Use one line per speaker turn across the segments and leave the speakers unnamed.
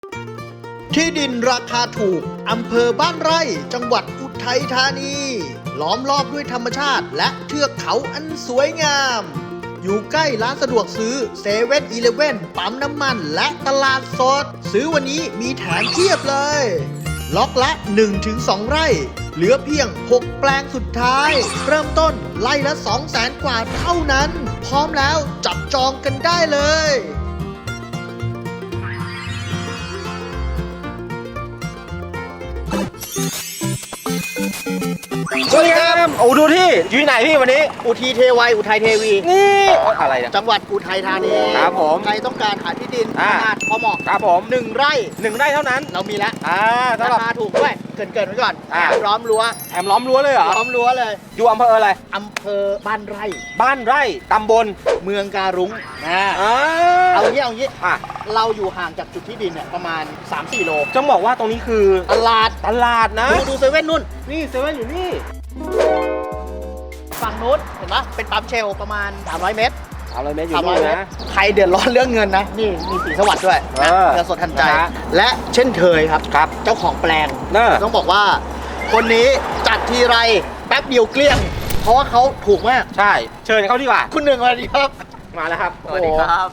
ที่ดินราคาถูกอำเภอบ้านไร่จังหวัดอุทัยธานีล้อมรอบด้วยธรรมชาติและเทือกเขาอันสวยงามอยู่ใกล้ร้านสะดวกซื้อเซเว่นอีเลฟเว่นปั๊มน้ำมันและตลาดสดซื้อวันนี้มีแถมเพียบเลยล็อกละ 1-2 ไร่เหลือเพียง 6 แปลงสุดท้ายเริ่มต้นไร่ละ 200,000 กว่าเท่านั้นพร้อมแล้วจับจองกันได้เลย
สวัสดีครับโอ้ดูที่อยู่ที่ไหนพี่วันนี้
อุทีเทวัยอุทัยเทวี
นี่อะไรนะ
จังหวัดอุทัยธานี
ครับผม
ใครต้องการหาที่ดินขนาดพอเหมาะ
ครับผม
1 ไร่
1 ไร่เท่านั้น
เรามีแล้ว
สำหรับ
ราคาถูกด้วยเกินไว้ก่อนล้อมรั้ว
แถมล้อมรั้วเลยเหรอ
ล้อมรั้วเลย
อยู่อำเภออะไร
อำเภอบ้านไร่
ตำบล
เมืองการุ้งเอางี้เราอยู่ห่างจากจุดที่ดินเนี่ยประมาณ 3-4 โล
จะบอกว่าตรงนี้คือ
ตลาดนะดูเซเว่นนู่น
นี่เซเว่นอยู่นี่
ฝั่งนู้นเห็นไหมเป็นปั๊มเชลประมาณ300 เมตร
300 เมตรอยู่นี่นะ
ใครเดือดร้อนเรื่องเงินนะนี่มีสีสวัสดิ์ด้วยเงินสดทันใจและเช่นเคยครับเจ้าของแปลงต้องบอกว่าคนนี้จัดทีไรแป๊บเดียวเกลี้ยงเพราะว่าเขาถูกมาก
ใช่เชิญเขาดีกว่า
คุณหนึ่งสวัสดีครับ
มาแล้วครับ
สวัสดีครับ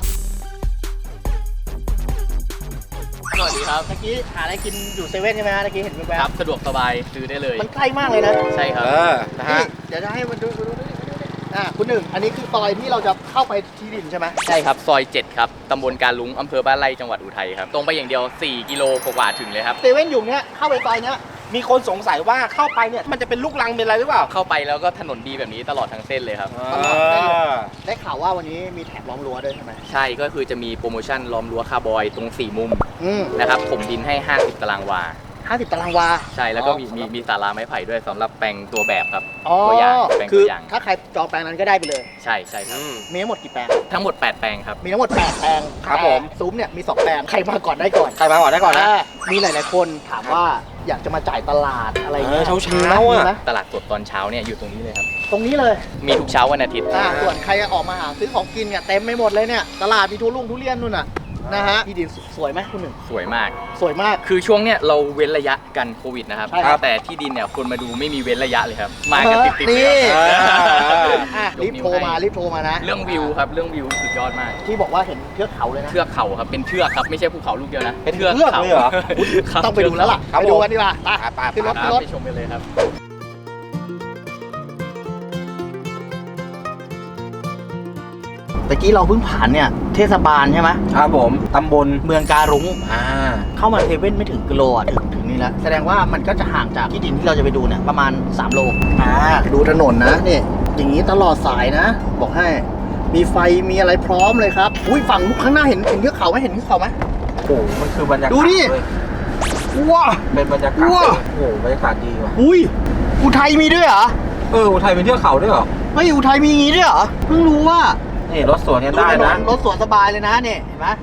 สวัสดีครับเมื่อกี้หาอะไรกินอยู่เซเว่นใช่ไหมฮะเมื่อกี้เห็นแว๊บ
ครับสะดวกสบายซื้อได้เลย
มันใกล้มากเลยนะ
ใช่ครับ
นะฮะเดี๋ยวจะให้มันดูคุณหนึ่งอันนี้คือซอยที่เราจะเข้าไปที่ดินใช่ไหม
ใช่ครับซอย7ครับตำบลการลุงอำเภอบ้านไร่จังหวัดอุทัยครับตรงไปอย่างเดียว4 กิโลกว่าถึงเลยครับ
เซเว่นอยู่เนี้ยเข้าไปซอยเนี้ย
มีคนสงสัยว่าเข้าไปเนี่ยมันจะเป็นลูกรังเป็นอะไรหรือเปล่า
เข้าไปแล้วก็ถนนดีแบบนี้ตลอดทั้งเส้นเลยครับ
ตลอดได้ข่าวว่าวันนี้มีแถบล้อมรั้วด้วยใช่ไหม
ใช่ก็คือจะมีโปรโมชั่นล้อมรั้วคาร์บอยตรง4 มุมนะครับถมดินให้50 ตารางวา
50 ตารางวา
ใช่แล้วก็มีศาลาไม้ไผ่ด้วยสำหรับแปลงตัวแบบครับ
ตัว
อย่างแปลงตัวอย่าง
ถ้าใครจองแปลงนั้นก็ได้ไปเลย
ใช่ครับ
มีทั้งหมดกี่แปลง
ทั้งหมด8 แปลงครับ
มีทั้งหมด8 แปลง
ครับผม
ซุ้มเนี่ยมี2 แปลงใครมาก่อนได้ก่อน
นะ
มีหลายๆคนถามว่าอยากจะมาจ่ายตลาดอะไรเงี้ย
เช้าอ่ะ
ตลาดสดตอนเช้าเนี่ยอยู่ตรงนี้เลยครับ
ตรงนี้เลย
มีทุกเช้าวันอาทิตย์
ส่วนใครออกมาหาซื้อของกินเนี่ยเต็มไปหมดเลยเนี่ยตลาดมีทุเรียนนู่นน่ะนะฮะที่ดินสวยไหมคุณหนึ่ง
สวยมาก
คือ
ช่วงเนี้ยเราเว้นระยะกันโควิดนะครับแต่ที่ดินเนี่ยคนมาดูไม่มีเว้นระยะเลยครับมากันติดๆ
เลยรีบโทรมานะ
เรื่องวิวครับเรื่องวิวสุดยอดมาก
ที่บอกว่าเห็นเทือกเขาเลยนะ
เทือกเขาครับเป็นเทือกครับไม่ใช่ภูเขาลูกเดียวนะ
เป็นเทือกเลยเหรอ
ต้องไปดูแล้วล่ะไปดูกันดีกว่าขึ้นรถ
ไปชมกันเลยครับ
ตะกี้เราเพิ่งผ่านเนี่ยเทศบาลใช่ไหม
ครับผมตำบล
เมืองการุ้งเข้ามาเซเว่นไม่ถึงกิโลถึงนี่แล้วแสดงว่ามันก็จะห่างจากที่ดินที่เราจะไปดูเนี่ยประมาณ3 โลดูถนนนะนี่อย่างนี้ตลอดสายนะบอกให้มีไฟมีอะไรพร้อมเลยครับฝั่งข้างหน้าเห็นเทือกเขาไหม
โอ้มันคือบรรยากาศ
ดูดิว้า
เป็นบรรยากาศโอ้บรรยากาศดีว่ะ
อุทัยมีด้วยเหรอ
อุทัยเป็นเทือกเขาด้วยเหรอ
ไม่อุทัยมีอย่างนี้ด้วยเหรอเพิ่งรู้ว่า
นี่รถสวนเนี่ยได้นะ
รถสวนสบายเลยนะเนี่ยเห็นไหม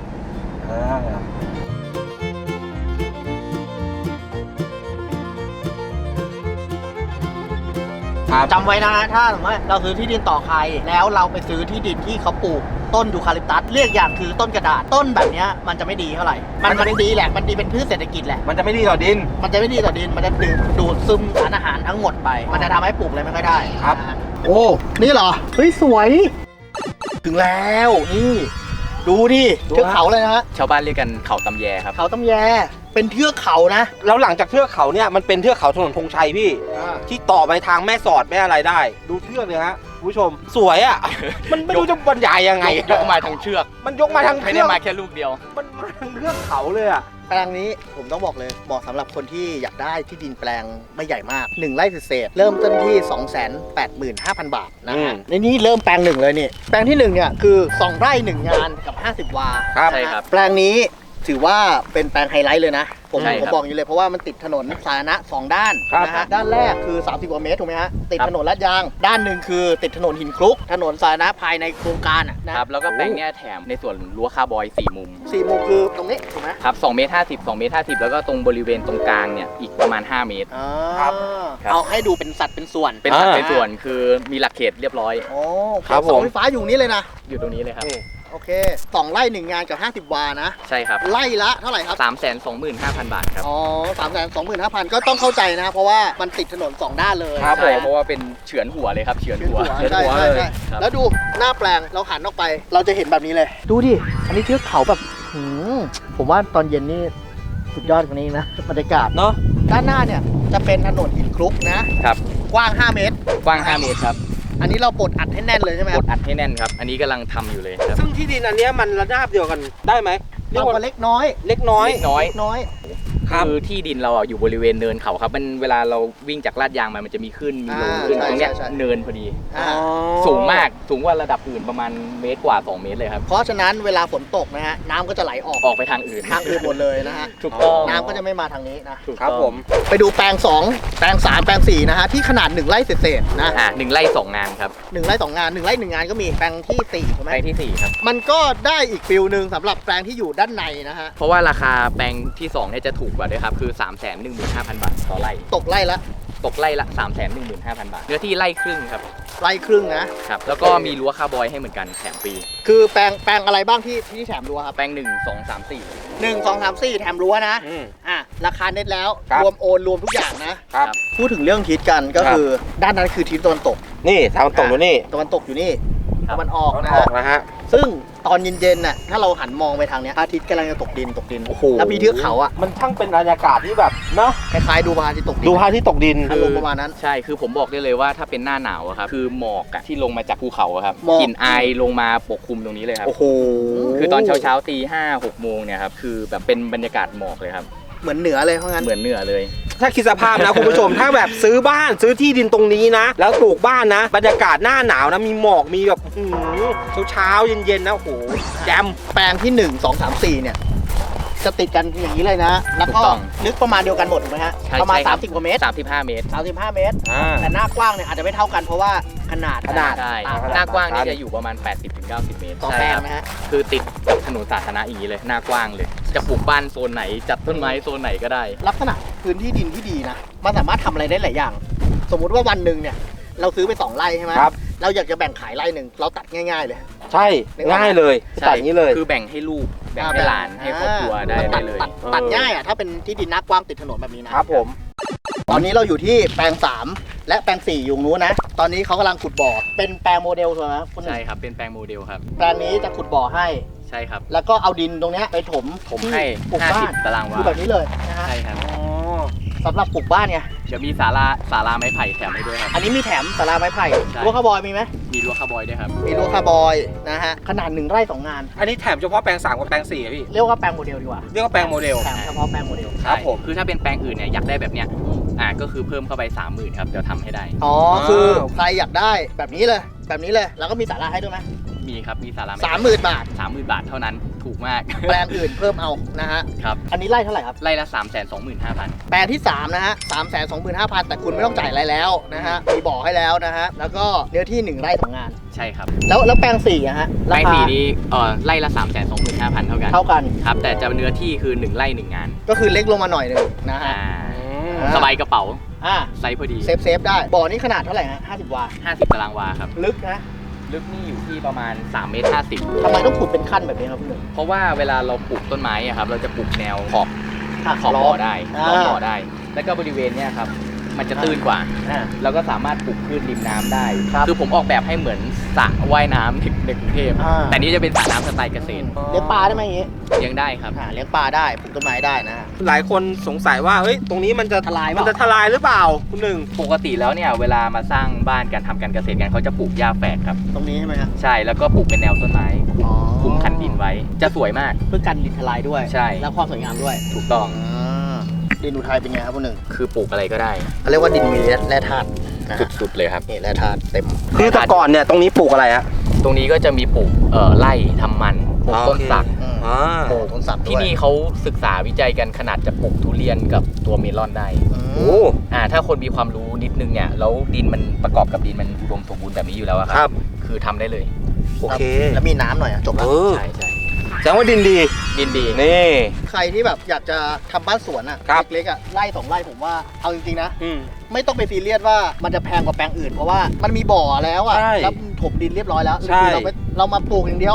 จำไว้นะถ้าสมมติเราซื้อที่ดินต่อใครแล้วเราไปซื้อที่ดินที่เขาปลูกต้นยูคาลิปตัสเรียกอย่างคือต้นกระดาษต้นแบบนี้มันจะไม่ดีเท่าไหร่มันดีแหละมันดีเป็นพืชเศรษฐกิจแหละ
มันจะไม่ดีต่อดิน
มันจะดูดซึมสารอาหารทั้งหมดไปมันจะทำให้ปลูกอะไรไม่ค่อยได้
ครับ
โอ้นี่เหรอสวยถึงแล้วนี่ดูดิเทือกเขาเลยนะ
ชาวบ้านเรียกกันเขาตำแยครับ
เขาตำแยเป็นเทือกเขานะ
แล้วหลังจากเทือกเขาเนี่ยมันเป็นเทือกเขาถนนธงชัยพี่ที่ต่อไปทางแม่สอดแม่อะไรได้ดูเทือกเลยฮะผู้ชมสวยอ่ะมันไม่รู้จะบรรยายยังไง
ยกมาทั้งเชือก
มันยกมาทั้ง
ไม่ได้มาแค่ลูกเดียว
มันมาทั้งเทือกเขาเลยอ่ะ
แปลงนี้ผมต้องบอกเลยเหมาะสำหรับคนที่อยากได้ที่ดินแปลงไม่ใหญ่มาก1 ไร่เศษเริ่มต้นที่ 285,000 บาทนะฮะในนี้เริ่มแปลง1เลยนี่แปลงที่1เนี่ยคือ2 ไร่ 1 งานกับ50 วา
ใช่ครับ
แปลงนี้ถือว่าเป็นแปลงไฮไลท์เลยนะผมบอกอย่างนี้เลยเพราะว่ามันติดถนนสาธารณะ2 ด้านนะฮะด้านแรกคือ30 กว่าเมตรถูกไหมฮะติดถนนลาดยางด้านหนึ่งคือติดถนนหินคลุกถนนสาธารณะภายในโครงการ
นะครับแล้วก็แปลงเนี้ยแถมในส่วนรั้วคาร์บอย4 มุม
คือตรงนี้ถูกไหม
ครับ2 เมตร 50 2 เมตร 50แล้วก็ตรงบริเวณตรงกลางเนี่ยอีกประมาณ5 เมตร
ครับเอาให้ดูเป็นสัดเป็นส่วน
คือมีหลักเขตเรียบร้อย
ครับผมไฟฟ้าอยู่นี้เลยนะ
อยู่ตรงนี้เลยครับ
โอเคเค2 ไร่ 1 งานกับ50 วานะ
ใช่ครับ
ไร่ละเท่าไหร่ครับ
325,000 บาทครับ
อ๋อ325,000 ก็ต้องเข้าใจนะ เพราะว่ามันติดถนน 2 ด้านเลย
ครับ
ใช่เพราะว่าเป็นเฉือนหัวเลยครับเฉือนหัว
ใช่ใช่ใช่
ครับ
แล้วดูหน้าแปลงเราหันออกไป เราจะเห็นแบบนี้เลย ดูดิ อันนี้เทือกเขาแบบผมว่าตอนเย็นนี่สุดยอดกว่านี้นะบรรยากาศ
เนาะ
ด้านหน้าเนี่ยจะเป็นถนนหินคลุกนะครับ กว้าง 5 เมตร
กว้าง 5 เมตรครับ
อันนี้เราปลดอัดให้แน่นเลยใช่ไหมค
ก
รับ
ดอัดให้แน่นครับ อันนี้กำลังทำอยู่เลยครับ
ซึ่งที่ดินอันเนี้ยมันระนาบเดียวกันได้ไหมเรีย
เรา
กว่า
ก็เล็กน้อย
เล็กน้อย
เล็กน้อย
น้อย
ครับ
คือที่ดินเราอยู่บริเวณเนินเขาครับมันเวลาเราวิ่งจากลาดยางมันจะมีขึ้นมีลงขึ้นตรงเนี้ยเนินพอดี สูงมากสูงกว่าระดับอื่นประมาณเมตรกว่า 2 เมตรเลยครับ
เพราะฉะนั้นเวลาฝนตกนะฮะน้ำก็จะไหลออก
ออกไปทางอื่น
ทางอื่นหมดเลยนะฮะ
ถูกต้อง
น้ำก็จะไม่มาทางนี้นะ
ถูก
ครับ
ต้อง
ผม
ไปดูแปลง 2 แปลง 3 แปลง 4 นะฮะที่ขนาด 1 ไร่เศษๆนะ
1 ไร่ 2 งานครับ
1 ไร่ 2 งาน 1 ไร่ 1 งานก็มีแปลงที่ 4 ถูกไหม
แปลงที่ 4 ครับ
มันก็ได้อีกฟิลหนึ่งสำหรับแปลงที่อยู่ด้านในนะฮะ
เพราะว่าราคาแปลงที่2เนี่ยจะถูกกว่าด้วยครับ คือ 315,000 บาทต่อไร่
ตกไร่ละ
ตกไร่ละ 315,000 บาท เนื้อที่ไร่ครึ่งครับ
ไร่ครึ่งนะ
ครับ แล้วก็มีรั้วคาร์บอยให้เหมือนกันแถมฟรี
คือแปลงอะไรบ้างที่แถมรั้วครับ
แปลง 1 2 3 4
1 2 3 4 แถมรั้วนะ
อืม
ราคาเน็ตแล้ว
ครับ
รวมโอนรวมทุกอย่างนะ
ครับ
พูดถึงเรื่องทิศกันก็
ครับ
คือด้านนั้นคือทิศตะวันตก
นี่ทางตรงนู้นนี่
ตะวันตกอยู่นี่
ครับ
ตะวันออก
ตอน
นะ
ออ
ฮะ
กนะฮะ
ซึ่งตอนเย็นๆน่ะถ้าเราหันมองไปทางเนี้ยพระอาทิตย์กำลังจะตกดิน
โอ้โห
แล้วมีเทือกเขาอ่ะ
มันช่างเป็นบรรยากาศที่แบบเนาะ
คล้ายๆดูพระอาทิตย์ตกดิน
ดูพระอาที่ตกดิน
อารมณ์ประมาณนั้น
ใช่ คือผมบอกได้เลยว่าถ้าเป็นหน้าหนาวอะครับ คือหมอกอะที่ลงมาจากภูเขาอะครับ
หมอก
กลิ่นอายลงมาปกคลุมตรงนี้เลยครับ
โอ้โห
คือตอนเช้าๆตี5 6 โมงเนี่ยครับ คือแบบเป็นบรรยากาศหมอกเลยครับ
เหมือนเหนือเลยเพราะงั้น
เหมือนเหนือเลย
ถ้าคิดสภาพนะ คุณผู้ชม ถ้าแบบซื้อบ้านซื้อที่ดินตรงนี้นะ แล้วปลูกบ้านนะ บรรยากาศหน้าหนาวนะ มีหมอกมีแบบเช้าๆเย็นๆนะโอ้โหแจม
แปลงที่ 1 2 3 4 เนี่ยจะติดกันอย่างนี้เลยนะ แล้วก็
ถูกต้อง
ลึกประมาณเดียวกันหมดถูกไหมฮะ
ใช่
ประมาณ
ใช่ครับ
30 กว่าเมตร
35 เมตร
35 เมตร
อ่า
แต่หน้ากว้างเนี่ยอาจจะไม่เท่ากันเพราะว่าขนาด
ขนาด
ใช่
ต่างกัน
หน้ากว้างนี่จะอยู่ประมาณ 80-90 เมตร
ต่อ
ใช่
แปลง
ครับ
นะฮะ
คือติดกับถนนสาธารณะอย่างนี้เลย หน้ากว้างเลย จะปลูกบ้านโซนไหน จัดต้นไม้โซนไหนก็ได้
ลักษณะพื้นที่ดินที่ดีนะ มันสามารถทำอะไรได้หลายอย่าง สมมุติว่าวันหนึ่งเนี่ย เราซื้อไป 2 ไร่ใช่ไหม
ครับ
เราอยากจะแบ่งขายไร่หนึ่งเราตัดง่ายๆเลย
ใช่ง่ายเลยตัดอย่างนี้เลย
คือแบ่งให้ลูก แบ่งให้หลาน ให้ครอบครัวได้
มัน
ได้เลย
ตัดง่ายอ่ะถ้าเป็นที่ดินหน้ากว้างติดถนนแบบนี้นะ
ครับผม
ตอนนี้เราอยู่ที่แปลง 3 และแปลง 4 อยู่นู้นนะ ตอนนี้เขากำลังขุดบ่อ เป็นแปลงโมเดลถูกไหมครับคุณหนึ่ง
ใช่ครับ เป็นแปลงโมเดลครับ
แปลงนี้จะขุดบ่อให้
ใช่ครับ
แล้วก็เอาดินตรงเนี้ยไปถม
ผมให้
ปลูกบ้าน
50 ตารางวา
คือแบบนี้เลยนะฮะ
ใช่ครับ
สำหรับปลูกบ้านไง
เดี๋ยวมีศาลาไม้ไผ่แถมให้ด้วยครับ
อันนี้มีแถมศาลาไม้ไผ่
ใช่
รั้วคาร์บอยมีไหม
มีรั้วคาร์บอยด้วยครับ
มีรั้วคาร์บอยนะฮะ ขนาด 1 ไร่ 2 งาน
อันนี้แถมเฉพาะแปลง3กับแปลง4อะพี่
เรียกว่าแปลงโมเดลดีกว่า
เรียกว่าแปลงโมเดล
แถมเฉพาะแปลงโมเดล
ครับผม
คือถ้าเป็นแปลงอื่นเนี่ยอยากได้แบบเนี้ย ก็คือเพิ่มเข้าไป 30,000ครับ เดี๋ยวทำให้ได้
อ๋อ คือใครอยากได้แบบนี้เลย แบบนี้เลย แล้วก็มีศาลาให้ด้วยไหม
มีครับ มีศาลาไม้
30,000 บาท
30,000 บาทเท่านั้น ถูกมาก
แปลงอื่นเพิ่มเอานะฮะ
ครับ
อันนี้ไร่เท่าไหร่ครับ
ไร่ละ 325,000
แปลงที่ 3 นะฮะ 325,000 แต่คุณไม่ต้องจ่ายอะไรแล้วนะฮะ มีบ่อให้แล้วนะฮะ แล้วก็เนื้อที่ 1 ไร่ 2 งาน
ใช่ครับ
แล้วแปลง4อะฮะ
แปลง
ราคา
สีนี้ไร่ละ 325,000 เท่ากัน
เท่ากัน
ครับ แต่จะเนื้อที่คือ 1 ไร่ 1 งาน
ก็คือเล็กลงมาหน่อยหนึงนะฮะ
สบายกระเป๋า
อ่า
ไซส์พอดี
เซฟได้ บ่อนี้ขนาดเท่าไหร่ฮะ50 วา
50 ตารางวาครับ
ลึกนะ
ลึกนี่อยู่ที่ประมาณ3 เมตร 50
ทำไมต้องขุดเป็นขั้นแบบนี้ครับพี่หนึ่ง
เพราะว่าเวลาเราปลูกต้นไม้อะครับเราจะปลูกแนวขอบ
อ่ะ
ขอบบ่อได้
อ่า
ขอบบ่อได้ แล้วก็บริเวณเนี้ยครับมันจะตื้นกว่า
อ่า
แล้วก็สามารถปลูกพืชริมน้ำได้
ครับ
คือผมออกแบบให้เหมือนสระว่ายน้ำในกรุงเทพ
อ่า
แต่นี่จะเป็นสระน้ำสไตล์เกษตร
เลี้ยงปลาได้ไหมอย่างงี้
ยังได้ครับ
เลี้ยงปลาได้ปลูกต้นไม้ได้นะ
หลายคนสงสัยว่าเฮ้ยตรงนี้มันจะ
ทลายเป
มั
ล่า
นจะทลายหรือเปล่าคุณหนึ่ง
ปกติแล้วเนี่ยเวลามาสร้างบ้านการทำการเกษตรกันเขาจะปลูกหญ้าแฝกครับ
ตรงนี้ใช่ไหมครับ
ใช่แล้วก็ปลูกเป็นแนวต้นไม้คลุมคันดินไว้ จะสวยมาก
เพื่อกันดินทลายด้วย
ใช่
แล้วความสวยงามด้วย
ถูกต้อง
ดินอุทัยเป็นไงครับคุณหนึ่ง
คือปลูกอะไรก็ได้
เขาเรียกว่าดินมีแร่ธาตุนะฮะ
สุดๆเลยครับ
นี่แร่ธาตุเต็ม
คือแต่ก่อนเนี่ยตรงนี้ปลูกอะไรฮะ
ตรงนี้ก็จะมีปลูกไร่ทำมันปลูกต้นสัก
อืม
อ่า
โอ้ต้นสักด้วย
ที่นี่เขาศึกษาวิจัยกันขนาดจะปลูกทุเรียนกับตัวเมลอนได้
อืม
โอ้
ถ้าคนมีความรู้นิดนึงเนี่ยแล้วดินมันประกอบกับดินมันอุดมสมบูรณ์แบบนี้อยู่แล้วอะ
ค
ค
รั
รับ บ คือทำได้เลย
โอเค
แล้วมีน้ำหน่อยจบแล้ว
ใช่ใช่
แสดงว่าดินดี
ดินดี
นี่
ใครที่แบบอยากจะทำบ้านสวนอ่ะ
ครับ
เล็กๆอ่ะไร่2 ไร่ผมว่าเอาจริงๆนะ
อืม
ไม่ต้องไปซีเรียสว่ามันจะแพงกว่าแปลงอื่น เพราะว่ามันมีบ่อแล้วอ่ะ
ใช่
แล้วถมดินเรียบร้อยแล้ว
ใช่
คือเรามาปลูกอย่างเดียวอ่ะ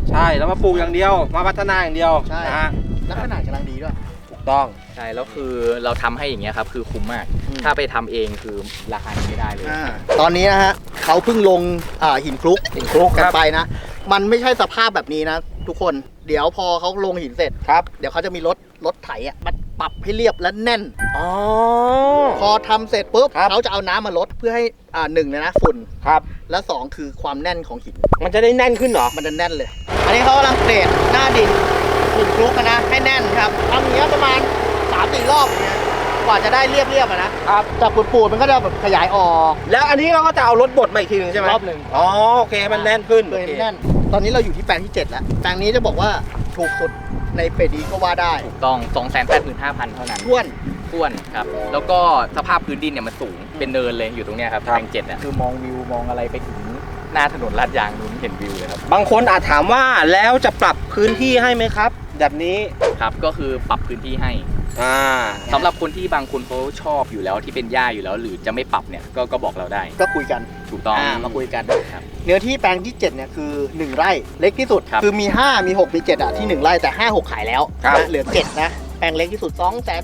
ใช่แล้วมาปลูกอย่างเดียวมาพัฒนาอย่างเดียว
ใช่
นะฮะ
แล้วขนาดกำลังดีด้วย
ถูกต้อง
ใช่แล้วคือเราทำให้อย่างเงี้ยครับคือคุ้มมาก
อืม
ถ้าไปทำเองคือราคานี้ไม่ได้เลย
ตอนนี้นะฮะเขาเพิ่งลงหินคลุกกันไปนะ มันไม่ใช่สภาพแบบนี้นะ ทุกคนเดี๋ยวพอเขาลงหินเสร็จ
ครับ
เดี๋ยวเขาจะมีรถไถอ่ะมันปรับให้เรียบและแน่น
อ๋อ
พอทำเสร็จปุ๊บ
ครับ
เขาจะเอาน้ำมาลดเพื่อให้หนึ่งเลยนะฝุ่น
ครับ
และสองคือความแน่นของหิน
มันจะได้แน่นขึ้นเหรอ
มันจะแน่นเลย อันนี้เขากำลังเกรดหน้าดินหินคลุกนะให้แน่นครับทำอย่างเงี้ยประมาณ 3-4 รอบอย่างเงี้ยกว่าจะได้เรียบๆอะนะครับ จากปูดๆมันก็จะแบบขยายออก
แล้วอันนี้เราก็จะเอารถบดมาอีกทีหนึ่งใช่ไหม
รอบหนึ่ง
อ๋อโอเคมันแน่นขึ้น
เพื่อให้มันแน่น ตอนนี้เราอยู่ที่แปลงที่ 7 แล้ว แปลงนี้จะบอกว่าถูกสุดในเปดีก็ว่าได้
ถูกต้อง 285,000 เท่านั้น
ท้วน
ท้วนครับแล้วก็สภาพพื้นดินเนี่ยมันสูงเป็นเนินเลยอยู่ตรงเนี้ยครับ
ครับ
แปลง7อ่ะคือมองวิวมองอะไรไปถึงหน้าถนนลาดยางนู้นเห็นวิวเลยครับ
บางคนอาจถามว่าแล้วจะปรับพื้นที่ให้ไหมครับ แบบนี้
ครับก็คือปรับพื้นที่ให้
อ่า
สำหรับคนที่บางคนเขาชอบอยู่แล้วที่เป็นหญ้าอยู่แล้ว หรือจะไม่ปรับเนี่ยก็บอกเราได้
ก็คุยกัน
ถูกต้อง
มาคุยกัน
ครับ
เนื้อที่แปลงที่ 7 เนี่ยคือ 1 ไร่เล็กที่สุด
ครับ
คือมี 5 มี 6 มี 7 อ่ะที่ 1 ไร่แต่ 5 6 ขายแล้ว
ครับ
นะเหลือ 7 นะ แปลงเล็กที่สุด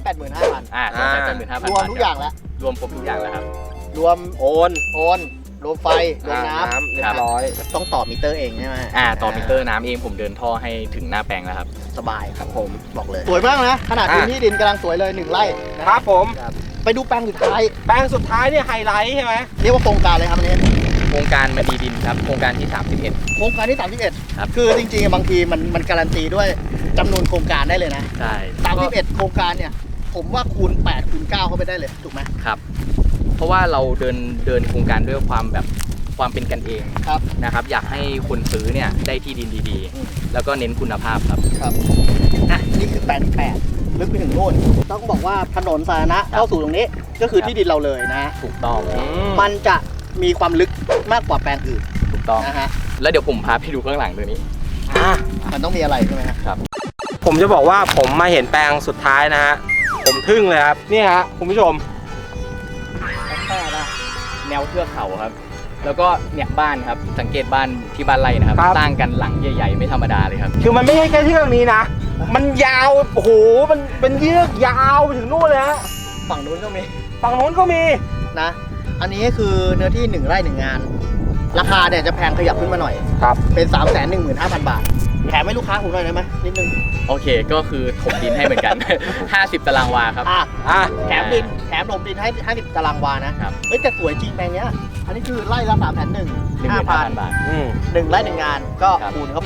285,000
285,000
รวมทุกอย่างแล้ว
รวมครบทุกอย่างแล้วครับ
รวม
โอน
รวมไฟ รวมน้
เรียบร้อย
ำต้องต่อมิเตอร์เองใช่ไหม
ต่อมิเตอร์น้ำเองผมเดินท่อให้ถึงหน้าแปลงแล้วครับ
สบายครับผมบอกเลย สวยมากนะ ขนาดพื้นที่ดินกำลังสวยเลย 1 ไร่นะ
ครับผม
ไปดูแปลงสุดท้าย
แปลงสุดท้ายเนี่ยไฮไลท์ใช่ไหม
เรียกว่าโครงการเลยครับอันนี้
โครงการมาดีดินครับโครงการที่ 31
โครงการที่
ครับ
31 คือจริงๆบางทีมันการันตีด้วยจำนวนโครงการได้เลยนะ
ใช่
31 โครงการเนี่ย ผมว่าคูณ 8 คูณ 9 เข้าไปได้เลย ถูกไหม
ครับ เพราะว่าเราเดินโครงการด้วยความเป็นกันเอง
ครับ
นะครับ อยากให้คนซื้อเนี่ยได้ที่ดินดี
อืม
ๆ แล้วก็เน้นคุณภาพครับ
ครับอ่ะนี่คือแปลงที่8ลึกไปถึงโน่น ต้องบอกว่าถนนสาธารณะเข้าสู่ตรงนี้ ก็คือที่ดินเราเลยนะ
ถูกต้อง
มันจะมีความลึกมากกว่าแปลงอื่น
ถูกต้อง
นะฮะ
แล้วเดี๋ยวผมพาไปดูข้างหลังตัวนี้
อ่ะ
มันต้องมีอะไรใช่ไหมฮะ
ผมจะบอกว่าผมมาเห็นแปลงสุดท้ายนะฮะ ผมทึ่งเลยครับ นี่ฮะคุณผู้ชม
แค่นะ
แนวเทือกเขาครับ แล้วก็เนี่ยบ้านครับ สังเกตบ้านที่บ้านไร่นะครับ
ครับ
สร้างกันหลังใหญ่ๆ ไม่ธรรมดาเลยครับ
คือมันไม่ใช่แค่เชือกนี้นะ มันยาว โอ้โห มันเป็นเชือกยาวไปถึงนู่นเลยฮะ
ฝั่งนู้นก็มี
ฝั่งนู้นก็มี
นะ อันนี้คือเนื้อที่ 1 ไร่ 1 งาน ราคาเนี่ยจะแพงขยับขึ้นมาหน่อย
ครับ
เป็น 315,000 บาท แถมให้ลูกค้าผมหน่อยได้ไหมนิดนึง
โอเค ก็คือถมดินให้เหมือนกัน 50 ตารางวาครับ
อ่ะ
แถมถมดินให้50 ตารางวานะครับ เฮ้ยแต่สวยจริงแปลงเนี้ย อันนี้คือไร่ละ3,100,000
15,000 บาท
อืม
1 ไร่ 1 งานก็
ครับ
คูณเข้าไป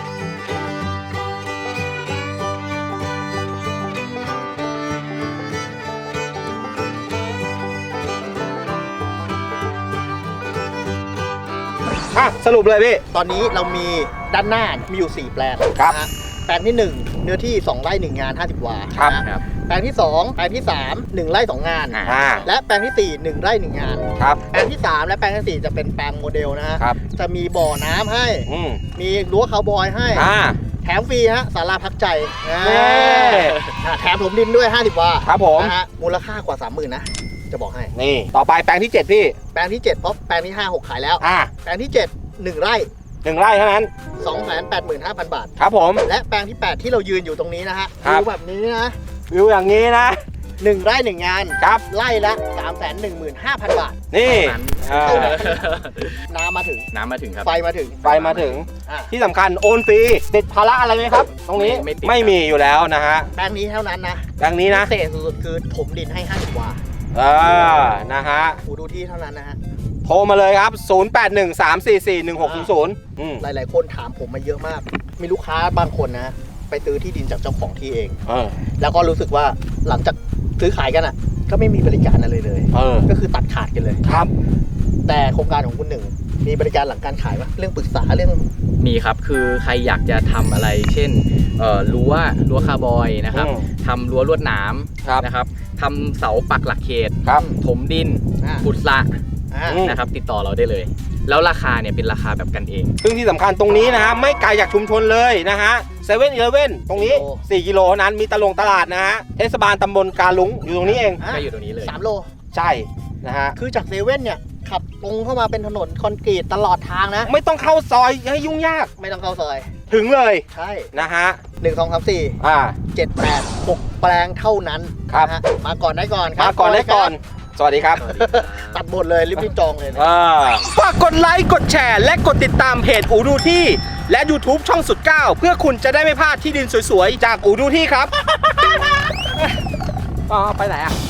อ่ะ สรุปเลยพี่
ตอนนี้เรามีด้านหน้ามีอยู่ 4 แปลง
ครับ
นะฮะแปลงที่ 1 เนื้อที่ 2 ไร่ 1 งาน 50 วา
ครับ
นะฮะ
ครับ
แปลงที่ 2 แปลงที่ 3 1 ไร่ 2 งาน
อ่า
และแปลงที่ 4 1 ไร่ 1 งาน
ครับ
แปลงที่ 3 และแปลงที่ 4 จะเป็นแปลงโมเดลนะฮะ
ครับ
จะมีบ่อน้ำให้
อืม
มีรั้วคาวบอยให้
อ่า
แถมฟรีฮะศาลาพักใจนะ
เย้
แถมถมดินด้วย 50 วา
ครับผม
นะฮะมูลค่ากว่า 30,000 นะ จะบอกให้
นี่ ต่อไปแปลงที่ 7 พี่
แปลงที่ 7 เพราะแปลงที่ 5 6 ขายแล้ว
อ่า
แปลงที่ 7 1 ไร่
1 ไร่เท่านั้น
285,000 บาท
ครับผม
และแปลงที่ 8 ที่เรายืนอยู่ตรงนี้นะฮะ
ครับ
ดูแบบนี้นะ
วิวอย่างนี้นะ
1 ไร่ 1 งาน
ครับ
ไร่ละ 315,000 บาท
นี่
นั้น
อ่า
น้ำมาถึง
น้ำมาถึงครับ
ไฟมาถึง
ไปมาถึง
อ่ะ
ที่สำคัญโอนฟรีติดภาระอะไรไหมครับ ตรงนี้
ไม่ติด
ไม่มีอยู่แล้วนะฮะ
แปลงนี้เท่านั้นนะ
แปลงนี้นะ
พิเศษสุดๆคือถมดินให้ 50 วา
นะฮะ
ดูที่เท่านั้นนะฮะ
โทรมาเลยครับ 0813441600อืม
หลายๆ คนถามผมมาเยอะมาก มีลูกค้าบางคนนะ ไปซื้อที่ดินจากเจ้าของที่เอง
เออ
แล้วก็รู้สึกว่าหลังจากซื้อขายกันอ่ะ ก็ไม่มีบริการอะไรเลย
เออ
ก็คือตัดขาดกันเลย
ครับ
แต่โครงการของคุณหนึ่งมีบริการหลังการขายปะเรื่องปรึกษาเรื่อง
มีครับ คือใครอยากจะทำอะไร เช่นรั้วคาร์บอยนะครับ
อืม
ทำรั้วลวดหนาม
ครับ
นะครับทำเสาปักหลักเขต
ครับ
ถมดิน
อ่า
ขุดสระ
อืม
นะครับ ติดต่อเราได้เลย แล้วราคาเนี่ยเป็นราคาแบบกันเอง
ซึ่งที่สำคัญตรงนี้นะฮะไม่ไกลจากชุมชนเลยนะฮะ7-Eleven ตรงนี้ 4 กิโลเท่านั้นมีตลาดนะฮะเทศบาลตำบลกาลุงอยู่ตรงนี้เอง
อ่ะ
ก็อยู่ตรงนี้เลย
3 โล
ใช่นะฮะ
คือจากเซเว่นเนี่ยขับตรงเข้ามาเป็นถนนคอนกรีตตลอดทางนะ
ไม่ต้องเข้าซอยให้ยุ่งยาก
ไม่ต้องเข้าซอย
ถึงเลย
ใช่
นะฮะ
1 2 3 4
อ่า
7 8 6 แปลงเท่านั้น
ครับ
นะฮะมาก่อนได้ก่อนครับ
มาก่อนได้ก่อน สวัสดีครับ
ตัดบทเลยรีบๆจองเลยนะ
ฝากกดไลค์กดแชร์และกดติดตามเพจอูดูที่และ YouTube ช่องสุดเก้าเพื่อคุณจะได้ไม่พลาดที่ดินสวยๆ จากอูดูที่ครับ ไปไหนอ่ะ